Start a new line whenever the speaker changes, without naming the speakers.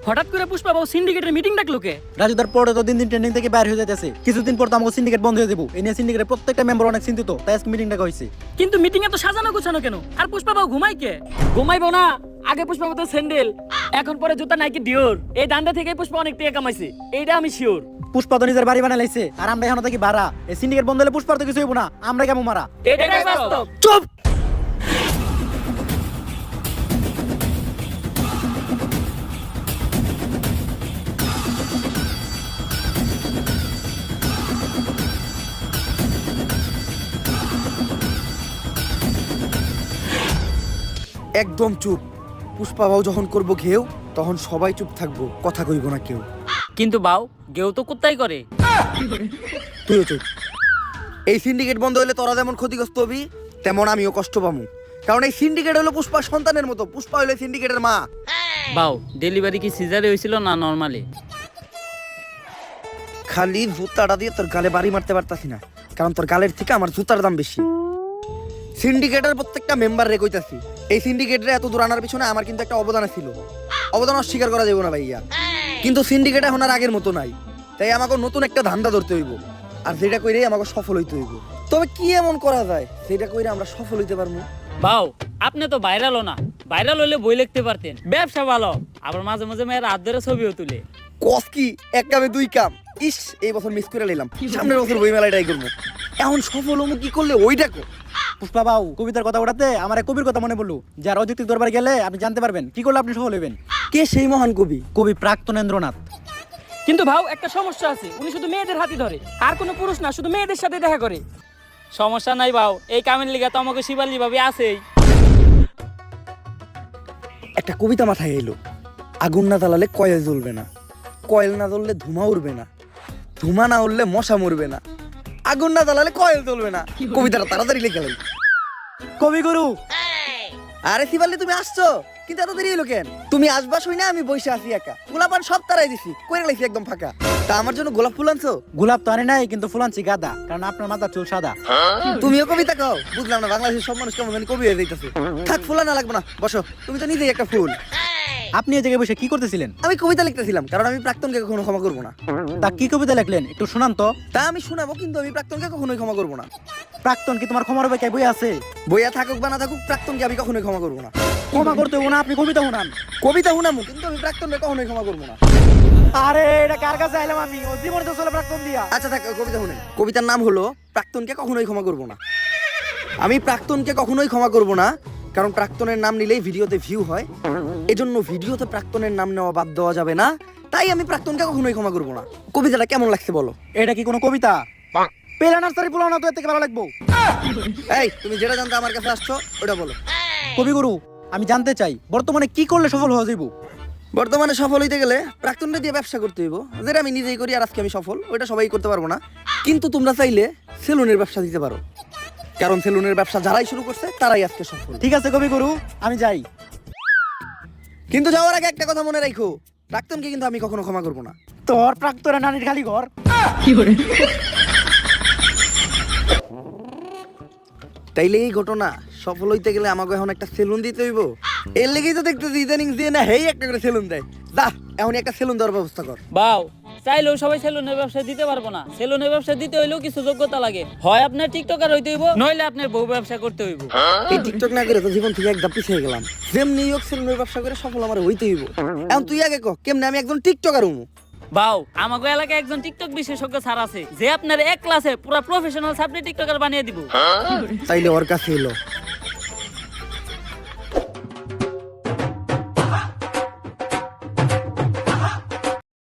হঠাৎ করে পুষ্পা বাবু সিন্ডিকেটের মিটিং ডাকলো কে?
রাজুদার পরে তো দিন দিন ট্রেন্ডিং থেকে বাইরে হয়ে যাচ্ছে, কিছুদিন পর তো আমাকে সিন্ডিকেট বন্ধ হয়ে যাবো। এই নিয়ে সিন্ডিকেটের প্রত্যেকটা মেম্বার অনেক চিন্তিত, তাই আজকে মিটিং ডাকা হয়েছে।
কিন্তু মিটিং এ তো সাজানো গোছানো কেন? আর পুষ্পা বাবু ঘুমাই কে? ঘুমাইবো না, আগে পুষ্পা মতো স্যান্ডেল, এখন পরে জুতা নাইকি ডিওর। এই দান্ডা থেকে পুষ্পা অনেক টাকা কামাইছে, এইটা আমি শিওর।
পুষ্পা তো নিজের বাড়ি বানাই লাইছে, আর আমরা এখন থেকে ভাড়া। এই সিন্ডিকেট বন্ধ হলে পুষ্পার তো কিছু হইব না, আমরা কেমন মারা।
এটাই বাস্তব।
চুপ!
একদম চুপ। পুষ্পা বাবু যখন করবো ঘেউ, তখন সবাই চুপ থাকবো, কথা কইব না কেউ।
কিন্তু বাউ গেও তো কুত্তাই করে।
তুইও চুপ। এই সিন্ডিকেট বন্ধ হলে তোরা যেমন ক্ষতিগ্রস্ত হবি, তেমন আমিও কষ্ট পাবো। কারণ এই সিন্ডিকেট হলো পুষ্পার সন্তানের মতো, পুষ্পা হলো সিন্ডিকেটের মা।
বাউ ডেলিভারি কি সিজারে হয়েছিল না নরমালি?
খালি জুতাটা দিয়ে তোর গালে বাড়ি মারতে পারতাছি না, কারণ তোর গালের থেকে আমার জুতার দাম বেশি। সিন্ডিকেটের প্রত্যেকটা মেম্বার রে কইতাছি, এই সিন্ডিকেটরে এত দূর আনার পিছনে আমার কিন্তু একটা অবদান ছিল। অবদান অস্বীকার করা যাবে না ভাইয়া। কিন্তু সিন্ডিকেট এখন আর আগের মতো নাই, তাই আমাকে নতুন একটা ধান্দা ধরতে হইব, আর যেটা কইরে আমাকে সফল হইতে হইব। তবে কি এমন করা যায় সেটা কইরে আমরা সফল হইতে পারবো?
বাউ আপনি তো ভাইরালও না, ভাইরাল হইলে বই লিখতে পারতেন। ব্যবসা ভালো, আবার মাঝে মাঝে মেয়ের হাত ধরে ছবিও তুলে।
কস কি এক কামে দুই কাম। ইস, এই বছর মিস করে নিলাম, সামনের বছর বই মেলায় ট্রাই করবো। এখন সফল হবো কি করলে ওইটা কো।
পুষ্পা বাবু কবিতার কথা ওঠাতে আমার এক কবির কথা মনে পড়লো, যার অযৌক্তিক দরবারে গেলে আপনি জানতে পারবেন কি করলে আপনি সফল হবেন।
কে সেই মহান কবি?
কবি প্রাক্তনেন্দ্রনাথ।
কিন্তু ভাও একটা সমস্যা আছে, উনি শুধু মেয়েদের হাতি ধরে, আর কোনো পুরুষ না, শুধু মেয়েদের সাথে দেখা করে। সমস্যা নাই ভাও, এই কামের লিগা তো আমাকে শিবালি ভাবি আছেই।
একটা কবিতা মাথায় এলো, আগুন না জ্বালালে কয়েল জ্বলবে না, কয়েল না জ্বললে ধুমা উড়বে না, ধুমা না উড়লে মশা মরবে না, আগুন না জ্বালালে কয়েল জ্বলবে না। কবিতাটা তাড়াতাড়ি লিখে গেলেন।
কবিগুরু
আরে শিবালি তুমি আসছো, কিন্তু এত দেরি হলো কেন? তুমি আসবা শুই না আমি বসে আছি একা, গোলাপান সব তারাই দিছি, কইরে লাইছি একদম ফাঁকা। তা আমার জন্য গোলাপ ফুল আনছো?
গোলাপ তো আনে নাই, কিন্তু ফুল আনছি গাঁদা, কারণ আপনার মাথার চুল সাদা।
তুমিও কবিতা কও? বুঝলাম না, বাংলাদেশের সব মানুষ কেমন জানি কবি হয়ে যাইতেছে। থাক, ফুল আনা লাগবে না, বসো। তুমি তো নিজেই একটা ফুল।
আপনি এই জায়গায় বসে কি করতেছিলেন?
আমি কবিতা লিখতেছিলাম, কারণ আমি প্রাক্তনকে কখনো ক্ষমা করবো না।
তা কি কবিতা লিখলেন একটু শোনান তো।
তা আমি শোনাবো, কিন্তু আমি প্রাক্তনকে কখনোই ক্ষমা করবো না।
প্রাক্তন কি তোমার ক্ষমার হবে? বই আছে,
বইয়া থাকুক বা না থাকুক, প্রাক্তনকে আমি কখনোই ক্ষমা করবো না।
ক্ষমা করতে হবে না, আপনি কবিতা শোনান।
কবিতা শুনামু, কিন্তু আমি প্রাক্তনকে কখনোই ক্ষমা করবো না।
আরে এটা কার কাছে আইলাম আমি? ও জীবনে তো চলে প্রাক্তন দিয়া।
আচ্ছা থাক, কবিতা শুনেন। কবিতার নাম হলো প্রাক্তনকে কখনোই ক্ষমা করবো না। আমি প্রাক্তনকে কখনোই ক্ষমা করবো না, কারণ প্রাক্তনের নাম নিলেই ভিডিওতে ভিউ হয়, এজন্য ভিডিওতে প্রাক্তনের নাম নেওয়া বাদ দেওয়া যাবে না। তাই আমি প্রাক্তনকে কখনোই ক্ষমা করবো না। কবিতাটা কেমন লাগছে বলো?
এটা কি কোনো কবিতা? পেলা নার্সারি পোলাও না তো, এর থেকে ভালো লাগবো।
এই তুমি যেটা জানতে আমার কাছে আসছো ওটা বলো।
কবিগুরু আমি জানতে চাই বর্তমানে কি করলে সফল হওয়া যাইব?
বর্তমানে সফল হইতে গেলে প্রাক্তনটা দিয়ে ব্যবসা করতে হইব, যেটা আমি নিজেই করি আর আজকে আমি সফল, ওইটা সবাই করতে পারবো না। কিন্তু তোমরা চাইলে সেলুনের ব্যবসা দিতে পারো, কারণ সেলুনের ব্যবসা যারাই শুরু করছে তারাই আজকে সফল।
ঠিক আছে কবিগুরু, আমি যাই।
কিন্তু যাওয়ার আগে একটা কথা মনে রাখো, প্রাক্তনকে কিন্তু আমি কখনো ক্ষমা করবো না।
তোর প্রাক্তনের নানির খালি ঘর।
তাইলে এই ঘটনা সফল হইতে গেলে আমাকে এখন একটা সেলুন দিতে হইব। এর লেগেই তো দেখতেছি ইদানিং দিয়ে না হেই একটা করে সেলুন দেয়। যা এখন একটা সেলুন দেওয়ার ব্যবস্থা কর।
বাউ চাইলেও সবাই সেলুনের ব্যবসা দিতে পারবো না। সেলুনের ব্যবসা দিতে হইলেও কিছু যোগ্যতা লাগে, হয় আপনার টিকটকার হইতে হইব, নইলে আপনার বউ ব্যবসা করতে হইব।
এই টিকটক না করে তো জীবন থেকে একদম পিছিয়ে গেলাম। যেমনি হোক সেলুনের ব্যবসা করে সফল আমার হইতে হইব। এখন তুই আগে কহ, কেমনে আমি একজন টিকটকার হবো?
বাউ আমাগো এলাকায় একজন টিকটক বিশেষজ্ঞ স্যার আছে, যে আপনার এক ক্লাসে পুরো প্রফেশনাল সাবজেক্ট টিকটকার বানিয়ে দিব।
তাইলে ওর কাছে এলো,